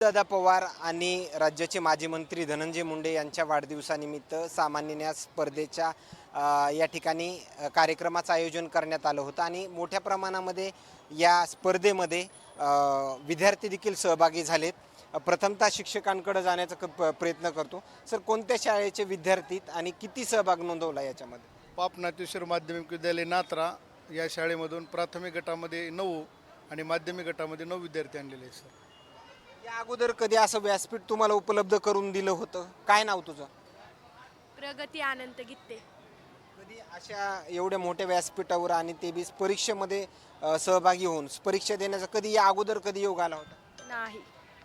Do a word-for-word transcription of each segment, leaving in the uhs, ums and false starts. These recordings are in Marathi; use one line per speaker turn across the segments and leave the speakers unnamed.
दादा पवार आणि राज्याचे माजी मंत्री धनंजय मुंडे यांच्या वाढदिवसानिमित्त सामान्य न्याय स्पर्धेच्या अ, या ठिकाणी अ, कार्यक्रमाचं आयोजन करण्यात आलं होतं आणि मोठ्या प्रमाणामध्ये या स्पर्धेमध्ये अ, विद्यार्थी देखील सहभागी झालेत. अ, प्रथमतः शिक्षकांकडे जाण्याचा क- प- प्रयत्न करतो. सर, कोणत्या शाळेचे विद्यार्थी आणि किती सहभाग नोंदवला याच्यामध्ये?
पाप नाट्येश्वर माध्यमिक विद्यालय नात्रा या शाळेमधून प्राथमिक गटामध्ये नऊ आणि माध्यमिक गटामध्ये नऊ विद्यार्थी आणलेले आहेत सर.
या अगोदर कधी असं व्यासपीठ तुम्हाला उपलब्ध करून दिलं होतं? काय नाव तुझं?
प्रगती आनंद गीते.
कधी अशा एवढ्या मोठ्या व्यासपीठावर आणि ते बी परीक्षेमध्ये अ, सहभागी होऊन परीक्षा देण्याचा कधी या अगोदर कधी योग आला होता?
नाही,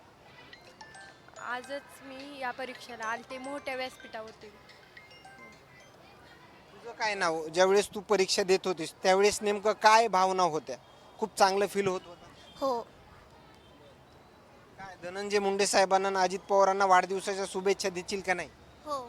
आजच मी या परीक्षेला आलते मोठ्या व्यासपीठावरती.
तुझं काय नाव? ज्यावेळेस तू परीक्षा देत होतीस त्यावेळेस नेमकं काय भावना होत्या? खूप चांगलं फील होत होतं?
हो,
काय धनंजय मुंडे साहेबांना आणि अजित पवारांना वाढदिवसाच्या शुभेच्छा देशील का नाही?
हो.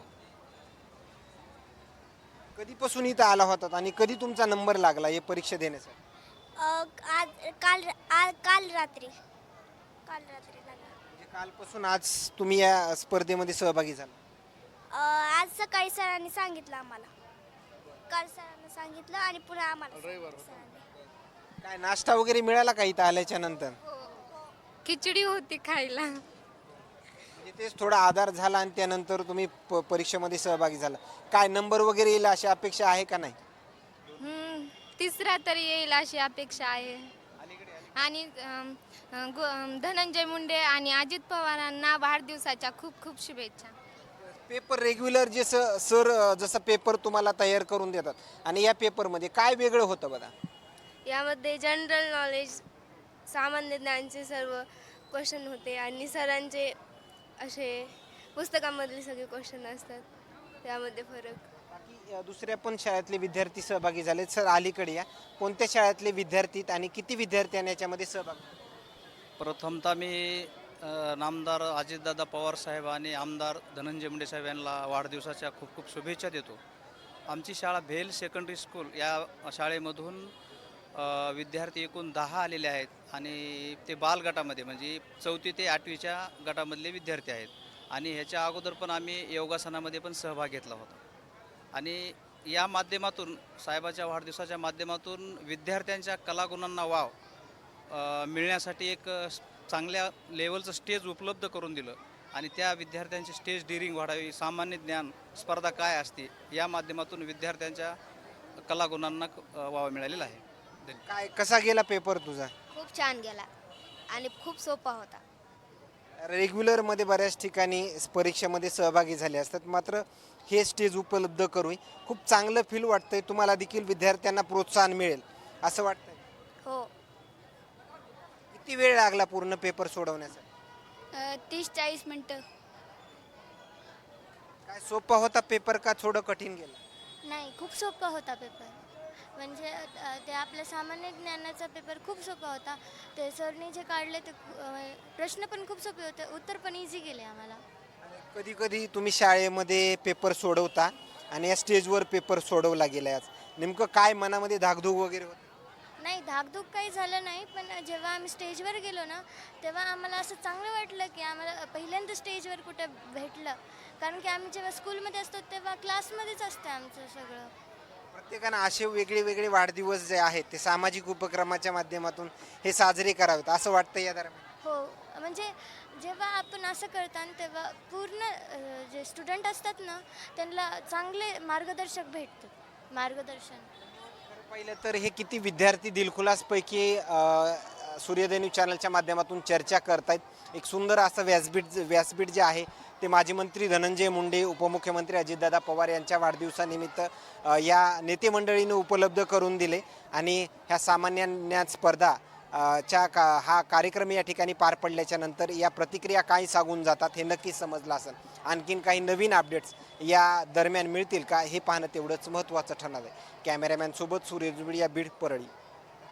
कधीपासून इथं आला होता आणि कधी तुमचा नंबर लागला हे परीक्षा देण्यासाठी?
अ, आज काल आज काल रात्री काल रात्री झालं.
म्हणजे कालपासून आज तुम्ही या स्पर्धेमध्ये सहभागी झाला.
अ, आज सकाळी सरांनी सांगितलं आम्हाला. काल सरांनी सांगितलं आणि पुन्हा आम्हाला
रविवार
सांगितलं सरांनी.
काय नाश्ता वगैरे मिळाला का इथं आल्याच्या नंतर?
खिचडी होती खायला.
म्हणजे तेच थोडा आधार झाला आणि त्यानंतर तुम्ही प- परीक्षेमध्ये सहभागी झाला. काय नंबर वगैरे येईल अशी अपेक्षा आहे का नाही?
हम्म, तिसरा तरी येईल अशी अपेक्षा आहे. आणि अम, अं, गो- अं, धनंजय मुंडे आणि अजित पवारांना वाढदिवसाच्या खूप खूप शुभेच्छा.
पेपर रेग्युलर जे स सर अ, जसं पेपर तुम्हाला तयार करून देतात आणि या पेपरमध्ये काय वेगळं होतं बघा?
यामध्ये जनरल नॉलेज, सामान्य ज्ञानचे सर्व क्वेश्चन होते आणि सरांचे असे पुस्तकामधले सगळे क्वेश्चन असतात. त्यामध्ये फरक.
बाकी अ, दुसऱ्या पण शाळेतले विद्यार्थी सहभागी झाले. सर, अलीकडे या. कोणत्या शाळेतले विद्यार्थी आणि किती विद्यार्थ्यांनी याच्यामध्ये सहभाग?
प्रथमतः मी अ, नामदार अजितदादा पवार साहेब आणि आमदार धनंजय मुंडे साहेब यांना वाढदिवसाच्या खूप खूप शुभेच्छा देतो. आमची शाळा भेल सेकंडरी स्कूल या शाळेमधून अ, विद्यार्थी एकूण दहा आलेले आहेत आणि ते बाल गटामध्ये म्हणजे चौथी ते आठवीच्या गटामधले विद्यार्थी आहेत. आणि ह्याच्या अगोदर पण आम्ही योगासनामध्ये पण सहभाग घेतला होता. आणि या माध्यमातून साहेबाच्या वाढदिवसाच्या माध्यमातून विद्यार्थ्यांच्या कलागुणांना वाव अ, मिळण्यासाठी एक अ, चांगल्या लेवलचं स्टेज उपलब्ध करून दिलं आणि त्या विद्यार्थ्यांची स्टेज डिरिंग वाढावी, सामान्य ज्ञान स्पर्धा काय असते या माध्यमातून विद्यार्थ्यांच्या कलागुणांना अ, वाव मिळालेला आहे. धन्यवाद.
काय कसा गेला पेपर तुझा?
खूप छान गेला आणि खूप सोपा होता.
रेग्युलरमध्ये बऱ्याच ठिकाणी परीक्षेमध्ये सहभागी झाले असतात, मात्र हे स्टेज उपलब्ध करून खूप चांगलं फील वाटतंय. तुम्हाला देखील विद्यार्थ्यांना प्रोत्साहन मिळेल असं वाटतंय?
हो.
किती वेळ लागला पूर्ण पेपर सोडवण्यासाठी?
तीस चाळीस मिनटं.
काय सोपा होता पेपर का थोडं कठीण गेलं?
नाही, खूप सोपा होता पेपर. म्हणजे अ, ते आपल्या सामान्य ज्ञानाचा पेपर खूप सोपा होता. ते सरने जे काढले ते अ, प्रश्न पण खूप सोपे होते, उत्तर पण इझी गेले आम्हाला.
कधी कधी तुम्ही शाळेमध्ये पेपर सोडवता आणि या स्टेजवर पेपर सोडवला गेला, आज नेमकं काय मनामध्ये धाकधूक वगैरे होती?
नाही, धाकधूक काही झालं नाही, पण जेव्हा आम्ही स्टेजवर गेलो ना तेव्हा आम्हाला असं चांगलं वाटलं की आम्हाला पहिल्यांदा स्टेजवर कुठं भेटलं. कारण की आम्ही जेव्हा स्कूलमध्ये असतो तेव्हा क्लासमध्येच असतं आमचं सगळं.
प्रत्येकानं असे वेगळे वेगळे वाढदिवस जे आहेत ते सामाजिक उपक्रमाच्या माध्यमातून हे साजरे करावेत असं वाटतं या दरम्यान.
हो, म्हणजे जेव्हा आपण असं करतात तेव्हा पूर्ण अ, जे स्टुडंट असतात ना त्यांना चांगले मार्गदर्शक भेटतात. मार्गदर्शन.
पहिलं तर हे किती विद्यार्थी दिलखुलासपैकी अ, सूर्यदैनिक न्यूज चॅनलच्या माध्यमातून चर्चा करतायत. एक सुंदर असं व्यासपीठ व्यासपीठ जे आहे ते माजी मंत्री धनंजय मुंडे, उपमुख्यमंत्री अजितदादा पवार यांच्या वाढदिवसानिमित्त अ, या नेते मंडळीनं उपलब्ध करून दिले आणि ह्या सामान्य ज्ञान स्पर्धा अ, च्या का हा कार्यक्रम या ठिकाणी पार पडल्याच्या नंतर या प्रतिक्रिया काय सांगून जातात हे नक्कीच समजलं असेल. आणखीन काही नवीन अपडेट्स या दरम्यान मिळतील का हे पाहणं तेवढंच महत्त्वाचं ठरणार आहे. कॅमेरामॅन सोबत सूर्य जुबळी या बीड परळी.